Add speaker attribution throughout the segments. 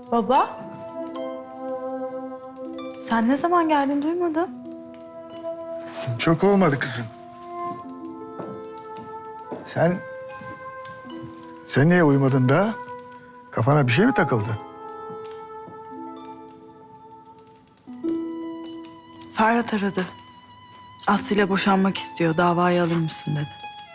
Speaker 1: Baba, sen ne zaman geldin duymadım.
Speaker 2: Çok olmadı kızım. Sen niye uyumadın daha? Kafana bir şey mi takıldı?
Speaker 1: Ferhat aradı. Aslı ile boşanmak istiyor, davayı alır mısın dedi.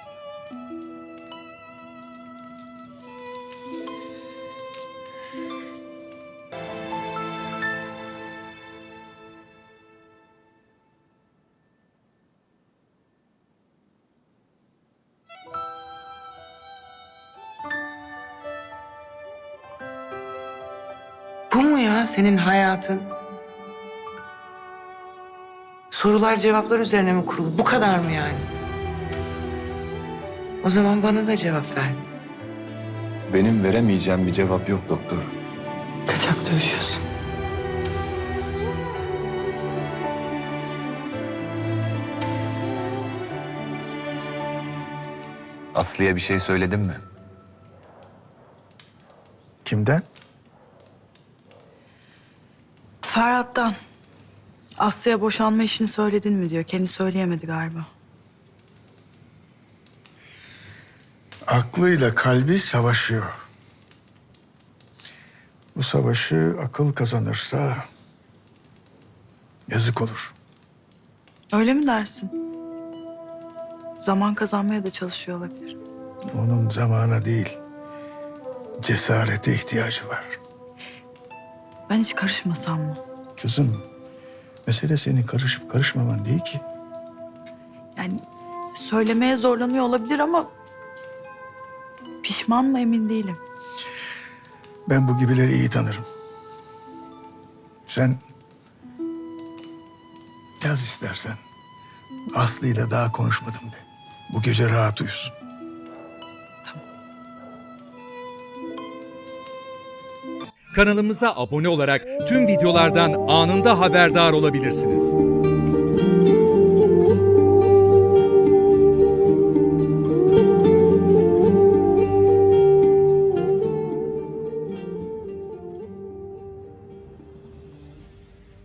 Speaker 3: Bu mu ya senin hayatın? Sorular cevaplar üzerine mi kurulu? Bu kadar mı yani? O zaman bana da cevap ver.
Speaker 4: Benim veremeyeceğim bir cevap yok doktor.
Speaker 3: Kaçak dövüşüyorsun.
Speaker 4: Aslı'ya bir şey söyledin mi?
Speaker 2: Kimden?
Speaker 1: Ferhat'tan. Aslı'ya boşanma işini söyledin mi diyor. Kendi söyleyemedi galiba.
Speaker 2: Aklıyla kalbi savaşıyor. Bu savaşı akıl kazanırsa yazık olur.
Speaker 1: Öyle mi dersin? Zaman kazanmaya da çalışıyor olabilir.
Speaker 2: Onun zamana değil, cesarete ihtiyacı var.
Speaker 1: Ben hiç karışmasam mı?
Speaker 2: Kızım, mesele senin karışıp karışmaman değil ki.
Speaker 1: Yani söylemeye zorlanıyor olabilir ama... pişman mı emin değilim.
Speaker 2: Ben bu gibileri iyi tanırım. Sen yaz istersen. Aslı'yla daha konuşmadım de. Bu gece rahat uyusun.
Speaker 5: Kanalımıza abone olarak tüm videolardan anında haberdar olabilirsiniz.